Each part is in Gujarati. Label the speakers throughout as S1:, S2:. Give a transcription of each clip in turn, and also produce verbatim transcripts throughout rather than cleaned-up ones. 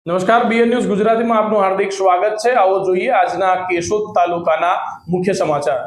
S1: નમસ્કાર, બીએન ન્યૂઝ ગુજરાતીમાં આપનું હાર્દિક સ્વાગત છે। આવો જોઈએ આજના કેશોદ તાલુકાના મુખ્ય સમાચાર।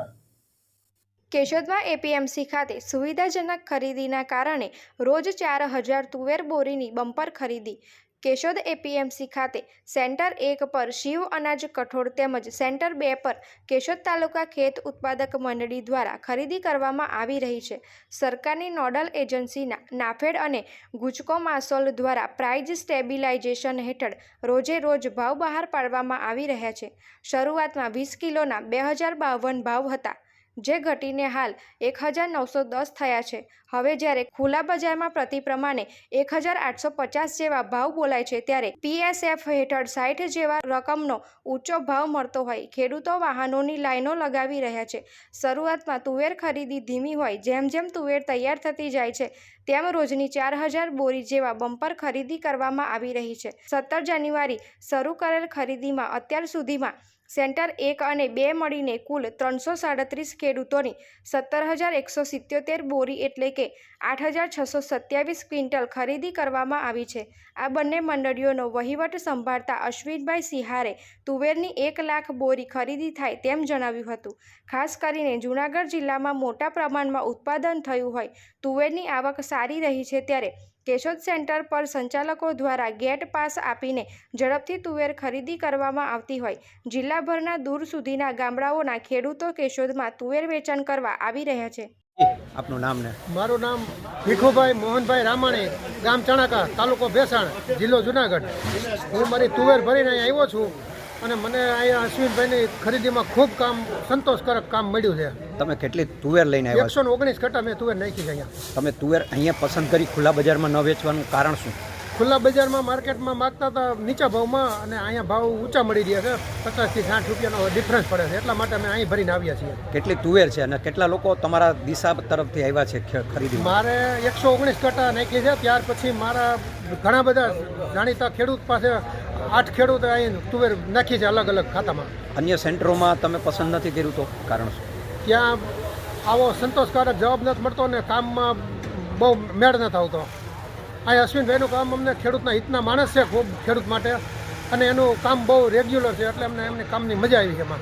S2: કેશોદમાં એપીએમસી ખાતે સુવિધાજનક ખરીદીના કારણે રોજ ચાર હજાર તુવેર બોરીની બમ્પર ખરીદી। કેશોદ એપીએમસી ખાતે સેન્ટર એક પર શિવ અનાજ કઠોળ તેમજ સેન્ટર બે પર કેશોદ તાલુકા ખેત ઉત્પાદક મંડળી દ્વારા ખરીદી કરવામાં આવી રહી છે। સરકારની નોડલ એજન્સીના નાફેડ અને ગુજકો માસોલ દ્વારા પ્રાઇઝ સ્ટેબિલાઇઝેશન હેઠળ રોજે રોજ ભાવ બહાર પાડવામાં આવી રહ્યા છે। શરૂઆતમાં વીસ કિલોના બે હજાર બાવન ભાવ હતા, જે ઘટીને હાલ એક હજાર નવસો દસ થયા છે। હવે જ્યારે ખુલ્લા બજારમાં પ્રતિ પ્રમાણે એક હજાર આઠસો પચાસ જેવા ભાવ બોલાય છે, ત્યારે પીએસએફ હેઠળ સાઠ જેવા રકમનો ઊંચો ભાવ મળતો હોય ખેડૂતો વાહનોની લાઈનો લગાવી રહ્યા છે। શરૂઆતમાં તુવેર ખરીદી ધીમી હોય, જેમ જેમ તુવેર તૈયાર થતી જાય છે તેમ રોજની ચાર હજાર બોરી જેવા બમ્પર ખરીદી કરવામાં આવી રહી છે। સત્તર જાન્યુઆરી શરૂ કરેલ ખરીદીમાં અત્યાર સુધીમાં સેન્ટર એક અને બે મળીને કુલ ત્રણસો સાડત્રીસ ખેડૂતોની સત્તર હજાર એકસો સિત્યોતેર બોરી એટલે કે આઠ હજાર છસો સત્યાવીસ ક્વિન્ટલ ખરીદી કરવામાં આવી છે। આ બંને મંડળીઓનો વહીવટ સંભાળતા અશ્વિનભાઈ સિહારે તુવેરની એક લાખ બોરી ખરીદી થાય તેમ જણાવ્યું હતું। ખાસ કરીને જૂનાગઢ જિલ્લામાં મોટા પ્રમાણમાં ઉત્પાદન થયું હોય તુવેરની આવક સારી રહી છે, ત્યારે કેશોદ સેન્ટર પર સંચાલકો દ્વારા ગેટ પાસ આપીને ઝડપથી તુવેર ખરીદી કરવામાં આવતી હોય જિલ્લાભરના દૂર સુધીના ગામડાઓના ખેડૂતો કેશોદમાં તુવેર વેચાણ કરવા આવી રહ્યા છે।
S3: આપનું નામ ને?
S4: મારું નામ ભીખુભાઈ મોહનભાઈ રામાણી, ગામ ચણાકા, તાલુકો ભેસાણ, જિલ્લો જુનાગઢ। હું મારી તુવેર ભરીને અહીં આવ્યો છું અને મને અહીંયા અશ્વિનભાઈની ખરીદીમાં ખૂબ કામ સંતોષકારક કામ મળ્યું છે।
S3: તમે કેટલી તુવેર લઈને આવ્યા
S4: એકસો ને ઓગણીસ કટ્ટા મેં તુવેર નાખી છે અહીંયા।
S3: તમે તુવેર અહીંયા પસંદ કરી ખુલ્લા બજારમાં ન વેચવાનું કારણ શું?
S4: ખુલ્લા બજારમાં માર્કેટમાં માગતા હતા નીચા ભાવમાં, અને અહીંયા ભાવ ઊંચા મળી રહ્યા છે, પચાસથી સાઠ રૂપિયાનો ડિફરન્સ પડે છે, એટલા માટે અમે અહીં ભરીને આવ્યા છીએ।
S3: કેટલી તુવેર છે અને કેટલા લોકો તમારા દિશા તરફથી આવ્યા છે ખરીદી?
S4: મારે એકસો ઓગણીસ કટ્ટા નાખી છે। ત્યાર પછી મારા ઘણા બધા જાણીતા ખેડૂત પાસે આઠ ખેડૂત અહીં તુવેર નાખી છે અલગ અલગ ખાતામાં।
S3: અન્ય સેન્ટરોમાં તમે પસંદ નથી કર્યું તો કારણ શું?
S4: ત્યાં આવો સંતોષકારક જવાબ નથી મળતો અને કામમાં બહુ મેળ નથી આવતો। અહીં અશ્વિનભાઈનું કામ અમને ખેડૂતના હિતના માણસ છે ખૂબ ખેડૂત માટે, અને એનું કામ બહુ રેગ્યુલર છે, એટલે અમને એમની કામની મજા આવી છે એમાં।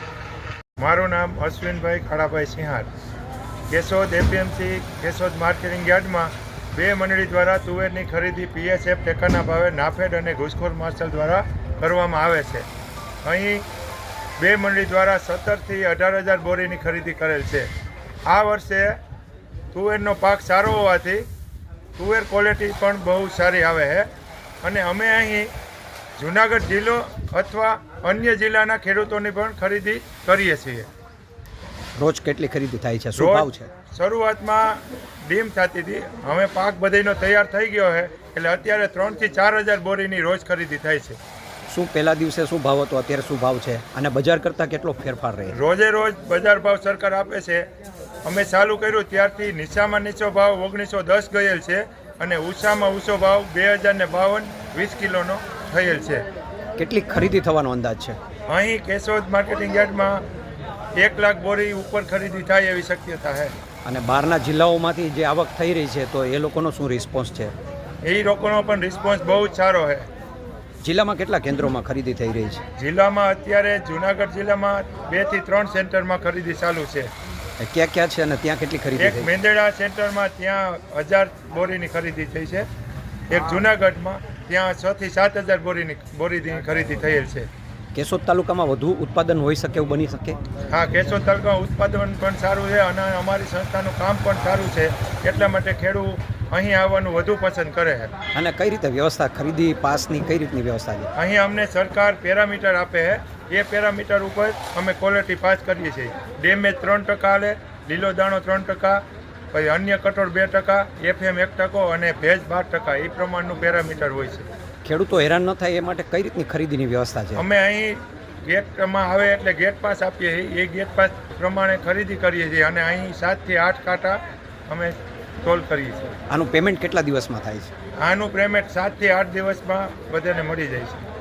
S5: મારું નામ અશ્વિનભાઈ ખાડાભાઈ સિંહાર, કેશોદ એપીએમસી કેશોદ માર્કેટિંગ યાર્ડમાં બે મંડળી દ્વારા તુવેરની ખરીદી પીએસએફ ટેકાના ભાવે નાફેડ અને ઘુસખોર માર્શલ દ્વારા કરવામાં આવે છે। અહીં બે મંડળી દ્વારા સત્તરથી અઢાર હજાર બોરીની ખરીદી કરેલ છે। આ વર્ષે તુવેરનો પાક સારો હોવાથી તુવેર ક્વોલિટી પણ બહુ સારી આવે છે, અને અમે અહીં જુનાગઢ જિલ્લો અથવા અન્ય જિલ્લાના ખેડૂતોની પણ ખરીદી કરીએ છીએ।
S3: રોજ કેટલી ખરીદી થાય છે? શું ભાવ છે?
S5: શરૂઆતમાં ડીમ થતી હતી, હવે પાક બધાનો તૈયાર થઈ ગયો છે, એટલે અત્યારે ત્રણથી ચાર હજાર બોરીની રોજ ખરીદી થાય છે।
S3: શું પહેલા દિવસે શું ભાવ હતો, અત્યારે શું ભાવ છે, અને બજાર કરતાં કેટલો ફેરફાર રહે?
S5: રોજે રોજ બજાર ભાવ સરકાર આપે છે। અમે ચાલુ કર્યું ત્યારથી નીચામાં નીચો ભાવ ઓગણીસો દસ ગયેલ છે, અને ઊંચામાં ઊંચો ભાવ બે હજાર ને બાવન વીસ કિલોનો થયેલ છે।
S3: કેટલી ખરીદી થવાનો અંદાજ છે?
S5: અહીં કેશોદ માર્કેટિંગ યાર્ડમાં એક લાખ બોરી ઉપર ખરીદી થાય એવી શક્યતા છે।
S3: અને બહારના જિલ્લાઓમાંથી જે આવક થઈ રહી છે, તો એ લોકોનો શું રિસ્પોન્સ છે?
S5: એ લોકોનો પણ રિસ્પોન્સ બહુ જ સારો છે।
S3: જિલ્લામાં કેટલા કેન્દ્રોમાં ખરીદી થઈ રહી છે?
S5: જિલ્લામાં અત્યારે જુનાગઢ જિલ્લામાં બે થી ત્રણ સેન્ટરમાં ખરીદી ચાલુ છે।
S3: ક્યાં ક્યાં છે અને ત્યાં કેટલી ખરીદી
S5: એક
S3: થઈ?
S5: મેંદેડા સેન્ટરમાં ત્યાં હજાર બોરીની ખરીદી થઈ છે। એક જુનાગઢમાં ત્યાં છ થી સાત હજાર બોરીની બોરીની ખરીદી થયેલ છે।
S3: કેશોદ તાલુકામાં વધુ ઉત્પાદન હોઈ શકે એવું બની શકે?
S5: હા, કેશોદ તાલુકામાં ઉત્પાદન પણ સારું છે, અને અમારી સંસ્થાનું કામ પણ સારું છે, એટલા માટે ખેડૂત અહીં આવવાનું વધુ પસંદ કરે છે।
S3: અને કઈ રીતે વ્યવસ્થા, ખરીદી પાસની કઈ રીતની વ્યવસ્થા છે?
S5: અહીં અમને સરકાર પેરામીટર આપે છે, એ પેરામીટર ઉપર અમે ક્વોલિટી પાસ કરીએ છીએ। ડેમેજ ત્રણ ટકા હાલે, લીલો દાણો ત્રણ ટકા, પછી અન્ય કઠોળ બે ટકા, એફએમ એક ટકો અને ભેજ બાર ટકા, એ પ્રમાણનું પેરામીટર હોય છે।
S3: ખેડૂતો હેરાન ન થાય એ માટે કઈ રીતની ખરીદીની વ્યવસ્થા છે?
S5: અમે અહીં ગેટમાં આવે એટલે ગેટ પાસ આપીએ છીએ, એ ગેટ પાસ પ્રમાણે ખરીદી કરીએ છીએ, અને અહીં સાતથી આઠ કાંટા અમે તોલ કરીએ છીએ।
S3: આનું પેમેન્ટ કેટલા દિવસમાં થાય છે?
S5: આનું પેમેન્ટ સાતથી આઠ દિવસમાં બધાને મળી જાય છે।